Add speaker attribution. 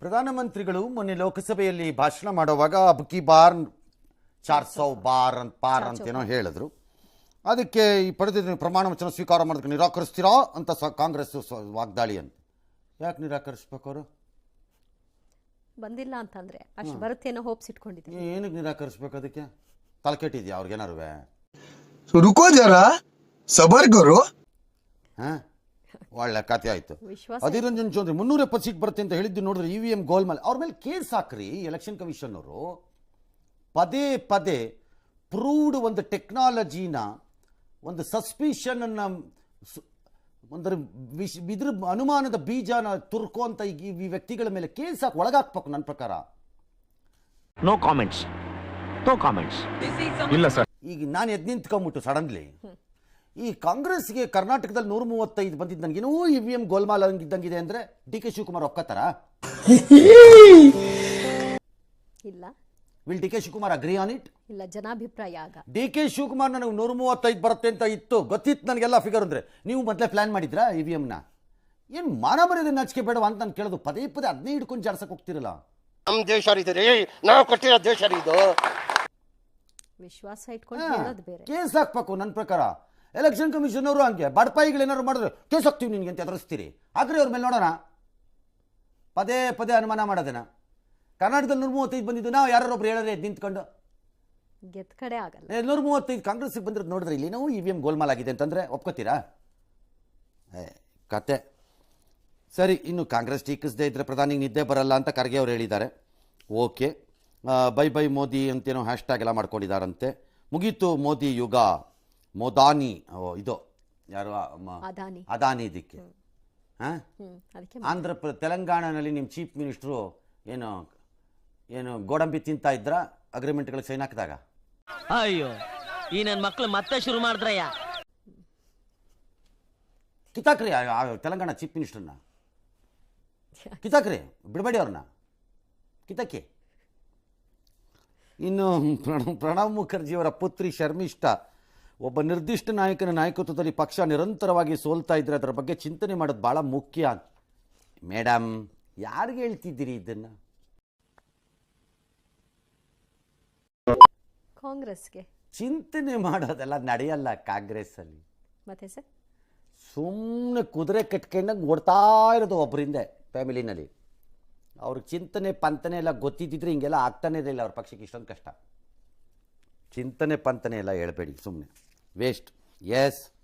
Speaker 1: ಪ್ರಧಾನಮಂತ್ರಿಗಳು ಮೊನ್ನೆ ಲೋಕಸಭೆಯಲ್ಲಿ ಭಾಷಣ ಮಾಡುವಾಗ ಅಬ್ಕಿ ಬಾರ್ 400 ಬಾರ್ ಅಂತೇನೋ ಹೇಳಿದ್ರು. ಅದಕ್ಕೆ ಈ ಪಡೆದ ಪ್ರಮಾಣ ವಚನ ಸ್ವೀಕಾರ ಮಾಡೋದಕ್ಕೆ ನಿರಾಕರಿಸ್ತೀರಾ ಅಂತ ಕಾಂಗ್ರೆಸ್ ವಾಗ್ದಾಳಿ ಅಂತ. ಯಾಕೆ ನಿರಾಕರಿಸ್ಬೇಕು? ಅವರು
Speaker 2: ಬಂದಿಲ್ಲ ಅಂತಂದ್ರೆ ಅಷ್ಟು ಬರುತ್ತೇನೋ ಹೋಪ್ಸ್ ಇಟ್ಕೊಂಡಿದ್ದೀನಿ.
Speaker 1: ಏನಕ್ಕೆ ನಿರಾಕರಿಸ್ಬೇಕು? ಅದಕ್ಕೆ ತಲೆ ಕೆಟ್ಟಿದ್ಯಾ ಅವ್ರಿಗೇನಾರು?
Speaker 3: ರುಕೋ ಜರ ಸಬರ್ ಕರೋ.
Speaker 1: ಒಳ್ಳೆ ಕಥೆ ಆಯ್ತು. ಅಧೀರ್ ರಂಜನ್ ಚೌಧರಿ 370 ಸೀಟ್ ಬರುತ್ತೆ ಅಂತ ಹೇಳಿದ್ದು ನೋಡಿದ್ರೆ EVM ಗೋಲ್ಮಾಲ್ ಅವ್ರ ಮೇಲೆ ಕೇಸ್ ಹಾಕ್ರಿ. ಎಲೆಕ್ಷನ್ ಕಮಿಷನ್ ಅವರು ಪದೇ ಪದೇ ಪ್ರೂವ್ಡ್ ಒಂದು ಟೆಕ್ನಾಲಜಿನ, ಒಂದು ಸಸ್ಪಿಷನ್ ಅನ್ನ, ಒಂದರ ಇದ್ರ ಅನುಮಾನದ ಬೀಜನ ತುರ್ಕೋ ಅಂತ ಈ ವ್ಯಕ್ತಿಗಳ ಮೇಲೆ ಕೇಸ್ ಹಾಕಿ ಒಳಗಾಕ್ಬೇಕು. ನನ್ನ ಪ್ರಕಾರ
Speaker 4: ನೋ ಕಾಮೆಂಟ್ಸ್. ಇಲ್ಲ ಸರ್.
Speaker 1: ಈಗ ನಾನು ಎದ್ದು ನಿಂತ್ಕೊಂಡ್ಬಿಟ್ಟು ಸಡನ್ಲಿ ಈ ಕಾಂಗ್ರೆಸ್ಗೆ ಕರ್ನಾಟಕದಲ್ಲಿ 135 ಬಂದಿದ್ದು ನನಗೇನೋ EVM ಗೋಲ್ಮಾಲ್ ಇದ್ದಂಗಿದೆ ಅಂದ್ರೆ DK ಶಿವಕುಮಾರ್ ಒಪ್ಕೋತಾರ?
Speaker 2: ಇಲ್ಲ.
Speaker 1: Will DK Shivakumar agree on it?
Speaker 2: ಇಲ್ಲ, ಜನಾಭಿಪ್ರಾಯ. ಆಗ
Speaker 1: DK ಶಿವಕುಮಾರ್ ನನಗೆ 135 ಬರುತ್ತೆ ಅಂತ ಇತ್ತು, ಗೊತ್ತಿತ್ತು ನನಗೆಲ್ಲ ಫಿಗರ್ ಅಂದ್ರೆ. ನೀವು ಮೊದಲೇ ಪ್ಲಾನ್ ಮಾಡಿದ್ರಾ EVMನ? ಏನು ಮಾನ ಮರ್ಯಾದೆ ನಾಚಿಕೆ ಬೇಡವಾ ಅಂತ ನಾನು ಕೇಳೋದು. ಪದೇ ಪದೇ ಅದನ್ನೇ ಹಿಡ್ಕೊಂಡು ಜಾಡ್ಸಕ್ಕೆ ಹೋಗ್ತಿರಲ್ಲ.
Speaker 5: ನಮ್ಮ ದೇಶ ರೀ, ನಾವು ಕೊಟ್ಟಿರೋ ದೇಶ ಇದು.
Speaker 2: ವಿಶ್ವಾಸ ಇಟ್ಕೊಂಡು ಹೇಳೋದು ಬೇರೆ.
Speaker 1: ಕೇಸ್ ಹಾಕ್ಬೇಕು. ನನ್ನ ಪ್ರಕಾರ ಎಲೆಕ್ಷನ್ ಕಮಿಷನ್ ಅವರು ಹಂಗೆ ಬಡಪಾಯಿಗಳು ಏನಾದ್ರು ಮಾಡಿದ್ರೆ ಕೇಸ್ ಹಾಕ್ತೀವಿ ನಿನ್ಗೆ ಅಂತ ಎದುರಿಸ್ತೀರಿ. ಹಾಕ್ರಿ ಅವ್ರ ಮೇಲೆ ನೋಡೋಣ. ಪದೇ ಪದೇ ಅನುಮಾನ ಮಾಡೋದೇನ? ಕರ್ನಾಟಕದಲ್ಲಿ 135 ಬಂದಿದ್ದು ನಾವು ಯಾರೊಬ್ರು ಹೇಳಿದ್ರೆ ನಿಂತ್ಕೊಂಡು
Speaker 2: ಗೆದ್ದ ಕಡೆ ಆಗಲ್ಲ.
Speaker 1: 135 ಕಾಂಗ್ರೆಸ್ಗೆ ಬಂದಿರೋದು ನೋಡಿದ್ರೆ ಇಲ್ಲಿ ನಾವು EVM ಗೋಲ್ಮಾಲ್ ಆಗಿದೆ ಅಂತಂದ್ರೆ ಒಪ್ಕೋತೀರಾ? ಕತೆ ಸರಿ. ಇನ್ನು ಕಾಂಗ್ರೆಸ್ ಟೀಕಿಸದೇ ಇದ್ರೆ ಪ್ರಧಾನಿಗೆ ನಿದ್ದೆ ಬರಲ್ಲ ಅಂತ ಖರ್ಗೆ ಅವರು ಹೇಳಿದ್ದಾರೆ. ಓಕೆ, ಬೈ ಬೈ ಮೋದಿ ಅಂತೇನೋ ಹ್ಯಾಶ್ಟ್ಯಾಗ್ ಎಲ್ಲ ಮಾಡ್ಕೊಂಡಿದ್ದಾರಂತೆ. ಮುಗೀತು ಮೋದಿ ಯುಗ. ಮೋದಾನಿ ಇದು ಯಾರು? ಅದಾನಿ. ಇದಕ್ಕೆ ತೆಲಂಗಾಣನಲ್ಲಿ ನಿಮ್ಮ ಚೀಫ್ ಮಿನಿಸ್ಟ್ರು ಏನು ಗೋಡಂಬಿ ತಿಂತ ಇದ್ರ ಅಗ್ರಿಮೆಂಟ್ಗಳಿಗೆ ಸೈನ್ ಹಾಕಿದಾಗ?
Speaker 6: ಅಯ್ಯೋ, ಈ ನನ್ನ ಮಕ್ಳು ಮತ್ತೆ ಶುರು ಮಾಡಿದ್ರಯ್ಯ.
Speaker 1: ಕಿತಾಕ್ರಿ ತೆಲಂಗಾಣ ಚೀಫ್ ಮಿನಿಸ್ಟರ್ನ, ಕಿತಾಕ್ರಿ, ಬಿಡಬೇಡಿ ಅವ್ರನ್ನ, ಕಿತಾಕಿ. ಇನ್ನು ಪ್ರಣವ್ ಮುಖರ್ಜಿಯವರ ಪುತ್ರಿ ಶರ್ಮಿಷ್ಠಾ ಒಬ್ಬ ನಿರ್ದಿಷ್ಟ ನಾಯಕನ ನಾಯಕತ್ವದಲ್ಲಿ ಪಕ್ಷ ನಿರಂತರವಾಗಿ ಸೋಲ್ತಾ ಇದ್ರೆ ಅದರ ಬಗ್ಗೆ ಚಿಂತನೆ ಮಾಡೋದು ಭಾಳ ಮುಖ್ಯ. ಮೇಡಮ್, ಯಾರಿಗೆ ಹೇಳ್ತಿದ್ದೀರಿ ಇದನ್ನ?
Speaker 2: ಕಾಂಗ್ರೆಸ್ಗೆ
Speaker 1: ಚಿಂತನೆ ಮಾಡೋದೆಲ್ಲ ನಡೆಯಲ್ಲ ಕಾಂಗ್ರೆಸ್ ಅಲ್ಲಿ.
Speaker 2: ಮತ್ತೆ ಸರ್,
Speaker 1: ಸುಮ್ಮನೆ ಕುದುರೆ ಕಟ್ಕೊಂಡಂಗೆ ಓಡ್ತಾ ಇರೋದು ಒಬ್ಬರಿಂದ ಫ್ಯಾಮಿಲಿನಲ್ಲಿ. ಅವ್ರಿಗೆ ಚಿಂತನೆ ಪಂತನೆ ಎಲ್ಲ ಗೊತ್ತಿದ್ದಿದ್ರೆ ಹಿಂಗೆಲ್ಲ ಆಗ್ತಾನೆ ಇರಲಿಲ್ಲ. ಅವ್ರ ಪಕ್ಷಕ್ಕೆ ಇಷ್ಟೊಂದು ಕಷ್ಟ. ಚಿಂತನೆ ಪಂತನೆ ಎಲ್ಲ ಹೇಳ್ಬೇಡಿ, ಸುಮ್ಮನೆ ವೇಸ್ಟ್. ಎಸ್.